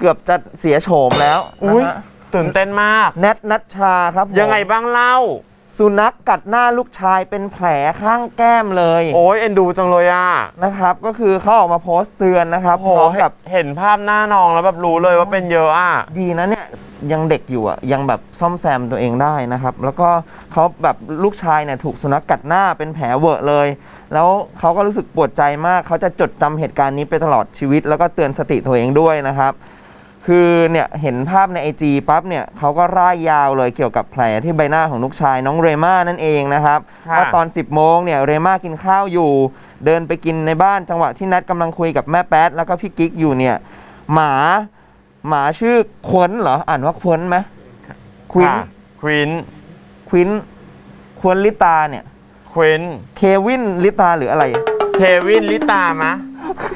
กือบจะเสียโฉมแล้วนะฮะตื่นเต้นมากแนทนัชชาครับยังไงบ้างเล่าสุนัขกัดหน้าลูกชายเป็นแผลข้างแก้มเลยโอ้ยเอ็นดูจังเลยอ่ะนะครับก็คือเขาออกมาโพสต์เตือนนะครับพร้อมกับเห็นภาพหน้าน้องแล้วแบบรู้เลยว่าเป็นเยอะอ่ะดีนะเนี่ยยังเด็กอยู่อ่ะยังแบบซ่อมแซมตัวเองได้นะครับแล้วก็เขาแบบลูกชายเนี่ยถูกสุนัขกัดหน้าเป็นแผลเวอะเลยแล้วเขาก็รู้สึกปวดใจมากเขาจะจดจำเหตุการณ์นี้ไปตลอดชีวิตแล้วก็เตือนสติตัวเองด้วยนะครับคือเนี่ยเห็นภาพใน IG ปั๊บเนี่ยเขาก็ร่ายยาวเลยเกี่ยวกับแผลที่ใบหน้าของลูกชายน้องเรม่านั่นเองนะครับว่าตอน 10 โมงเนี่ยเรม่ากินข้าวอยู่เดินไปกินในบ้านจังหวะที่นัดกำลังคุยกับแม่แป๊ดแล้วก็พี่กิ๊กอยู่เนี่ยหมาชื่อควนเหรออ่านว่าควนไหมควินควนลิตาเนี่ยควินเควินลิตาหรืออะไรเควินลิตามะ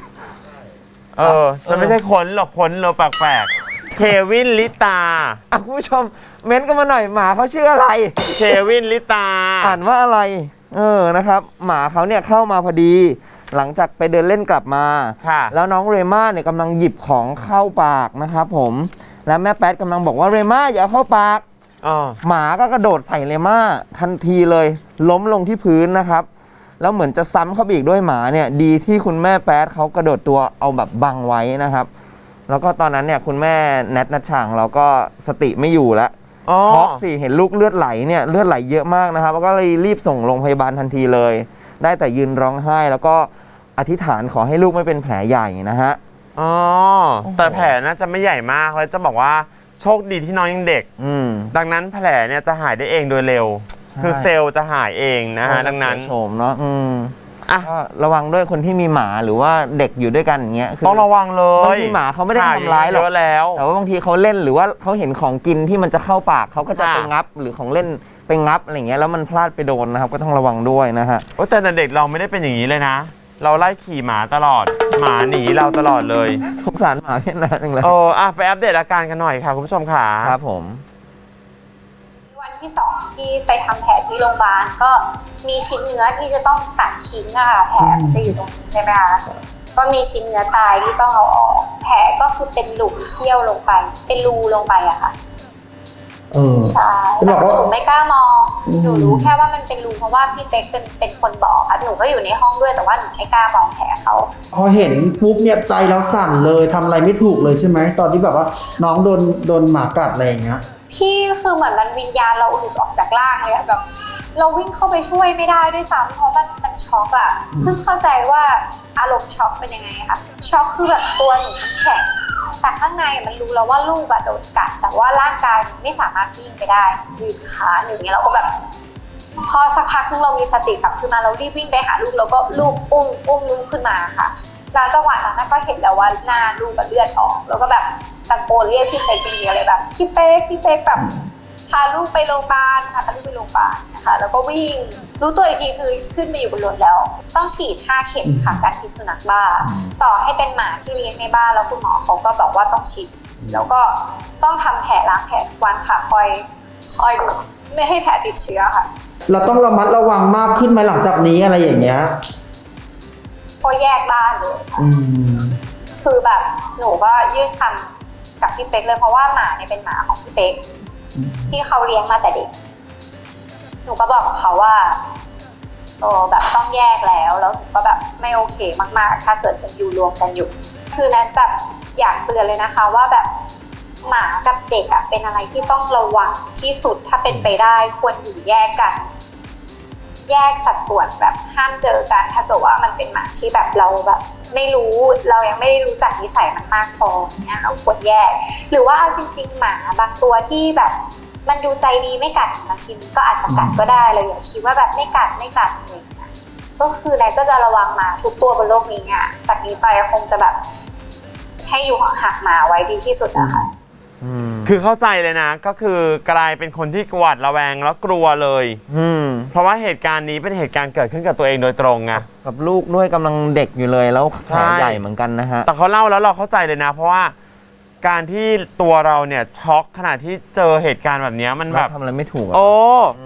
จะไม่ใช่คนหรอกคนเราแปลกๆเควินลิตาคุณผู้ชมเม้นต์กันมาหน่อยหมาเขาชื่ออะไรเควินลิตาอ่านว่าอะไรนะครับหมาเขาเนี่ยเข้ามาพอดีหลังจากไปเดินเล่นกลับมาแล้วน้องเรม่าเนี่ยกำลังหยิบของเข้าปากนะครับผมแล้วแม่แป๊ดกำลังบอกว่าเรม่าอย่าเข้าปากหมาก็กระโดดใส่เรม่าทันทีเลยล้มลงที่พื้นนะครับแล้วเหมือนจะซ้ำเข้าไปอีกด้วยหมาเนี่ยดีที่คุณแม่แป๊ดเขากระโดดตัวเอาแบบบังไว้นะครับแล้วก็ตอนนั้นเนี่ยคุณแม่แนทนัชชาเราก็สติไม่อยู่แล้วช็อกสิเห็นลูกเลือดไหลเนี่ยเลือดไหลเยอะมากนะครับแล้วก็เลยรีบส่งโรงพยาบาลทันทีเลยได้แต่ยืนร้องไห้แล้วก็อธิษฐานขอให้ลูกไม่เป็นแผลใหญ่นะฮะแต่แผลน่าจะไม่ใหญ่มากแล้วจะบอกว่าโชคดีที่น้องยังเด็กดังนั้นแผลเนี่ยจะหายได้เองโดยเร็วคือเซลล์จะหายเองนะฮะดังนั้นโฉมเนาะก็ระวังด้วยคนที่มีหมาหรือว่าเด็กอยู่ด้วยกันอย่างเงี้ยต้องระวังเลยบางทีหมาเขาไม่ได้ทำร้ายหรอกแต่ว่าบางทีเขาเล่นหรือว่าเขาเห็นของกินที่มันจะเข้าปากเขาก็จะไปงับหรือของเล่นไปงับอะไรเงี้ยแล้วมันพลาดไปโดนนะครับก็ต้องระวังด้วยนะฮะแต่เด็กเราไม่ได้เป็นอย่างนี้เลยนะเราไล่ขี่หมาตลอดหมาหนีเราตลอดเลยสงสารหมาเพี้ยนนะจังเลยไปอัปเดตอาการกันหน่อยค่ะคุณผู้ชมค่ะครับผมวันที่2ที่ไปทำแผลที่โรงพยาบาลก็มีชิ้นเนื้อที่จะต้องตัดทิ้งอะค่ะแผลจะอยู่ตรงนี้ใช่ไหมคะก็มีชิ้นเนื้อตายที่ต้องเอาออกแผลก็คือเป็นหลุมเขี้ยวลงไปเป็นรูลงไปอะค่ะใช่แต่หนูไม่กล้ามองหนูรู้แค่ว่ามันเป็นรูเพราะว่าพี่เป๊กเป็นคนบอกค่ะหนูก็อยู่ในห้องด้วยแต่ว่าหนูไม่กล้ามองแผลเขาพอเห็นปุ๊บเนี่ยใจเราสั่นเลยทำอะไรไม่ถูกเลยใช่ไหมตอนที่แบบว่าน้องโดนหมากัดอะไรอย่างเงี้ยพี่คือเหมือนมันวิญญาณเราหลุดออกจากร่างเลยอะแบบเราวิ่งเข้าไปช่วยไม่ได้ด้วยซ้ำเพราะมันช็อกอะเพิ่งเข้าใจว่าอารมณ์ช็อกเป็นยังไงค่ะช็อกคือแบบตัวหนูแข็งแต่ข้างในมันรู้แล้วว่าลูกอะโดนกัดแต่ว่าร่างกายไม่สามารถวิ่งไปได้ยืนขาอย่างเงี้ยเราก็แบบพอสักพักนึงเรามีสติกลับขึ้นมาเรารีบวิ่งไปหาลูกแล้วก็ลูกอุ้มลูกขึ้นมาค่ะแล้วจังหวะนั้นก็เห็นแล้วว่าหน้าลูกกับเลือดออกแล้วก็แบบตะโกนเรียกพี่เป๊กอย่างเดียวเลยแบบพี่เป๊กแบบพาลูกไปโรงพยาบาลนะคะแล้วก็วิ่งรู้ตัวอีกทีคือขึ้นไปอยู่บนรถแล้วต้องฉีด5 เข็มค่ะการพิษสุนัขบ้าต่อให้เป็นหมาที่เลี้ยงในบ้านแล้วคุณหมอเขาก็บอกว่าต้องฉีดแล้วก็ต้องทำแผลล้างแผลทุกวันค่ะคอยดูไม่ให้แผลติดเชื้อค่ะเราต้องระมัดระวังมากขึ้นไหมหลังจากนี้อะไรอย่างเงี้ยก็แยกบ้านเลยคือแบบหนูก็ยื่นคำกับพี่เป๊กเลยเพราะว่าหมาเนี่ยเป็นหมาของพี่เป๊กที่เขาเลี้ยงมาแต่เด็กหนูก็บอกเขาว่าแบบต้องแยกแล้วหนูก็แบบไม่โอเคมากๆถ้าเกิดยังอยู่รวมกันอยู่คือนั้นแบบอยากเตือนเลยนะคะว่าแบบหมากับเด็กอะเป็นอะไรที่ต้องระวังที่สุดถ้าเป็นไปได้ควรอยู่แยกกันแยกสัดส่วนแบบห้ามเจอกันถ้าเกิดว่ามันเป็นหมาที่แบบเราแบบไม่รู้เรายังไม่ได้รู้จักนิสัยมันมากพอเนี่ยเราควรแยกหรือว่าเอาจริงๆหมาบางตัวที่แบบมันดูใจดีไม่กัดบางทีมันก็อาจจะกัดก็ได้เราอย่าคิดว่าแบบไม่กัดอะไรอย่างเงี้ยก็คือนายก็จะระวังหมาทุกตัวบนโลกนี้อ่ะจากนี้ไปคงจะแบบให้อยู่ห่างๆหมาไว้ดีที่สุดนะคะคือเข้าใจเลยนะก็คือกลายเป็นคนที่หวาดระแวงแล้วกลัวเลยเพราะว่าเหตุการณ์นี้เป็นเหตุการณ์เกิดขึ้นกับตัวเองโดยตรงไงกับลูกด้วยกำลังเด็กอยู่เลยแล้วแผลใหญ่เหมือนกันนะฮะแต่เขาเล่าแล้วเราเข้าใจเลยนะเพราะว่าการที่ตัวเราเนี่ยช็อกขณะที่เจอเหตุการณ์แบบนี้มันแบบทำอะไรไม่ถูก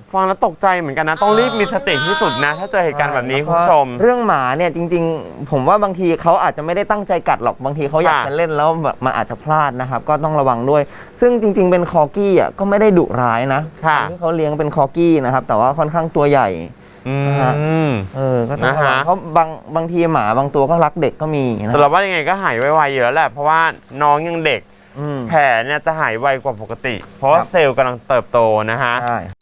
ฟังแล้วตกใจเหมือนกันนะ ต้องรีบมีสติที่สุดนะ ถ้าเจอเหตุการณ์แบบนี้คุณผู้ชมเรื่องหมาเนี่ยจริงๆ ผมว่าบางทีเขาอาจจะไม่ได้ตั้งใจกัดหรอกบางทีเขาอยากจะเล่นแล้วแบบมันอาจจะพลาดนะครับก็ต้องระวังด้วย ซึ่งจริงๆเป็นคอกี้อ่ะก็ไม่ได้ดุร้ายนะคนที่เขาเลี้ยงเป็นคอกี้นะครับแต่ว่าค่อนข้างตัวใหญ่นะฮะก็ต้องระวังเพราะบางทีหมาบางตัวก็รักเด็กก็มีนะแต่เราว่ายังไงก็หายไวๆอยู่แล้วแหละเพราะว่าน้องยังเด็กแผลเนี่ยจะหายไวกว่าปกติ เพราะว่าเซลล์กำลังเติบโตนะฮะ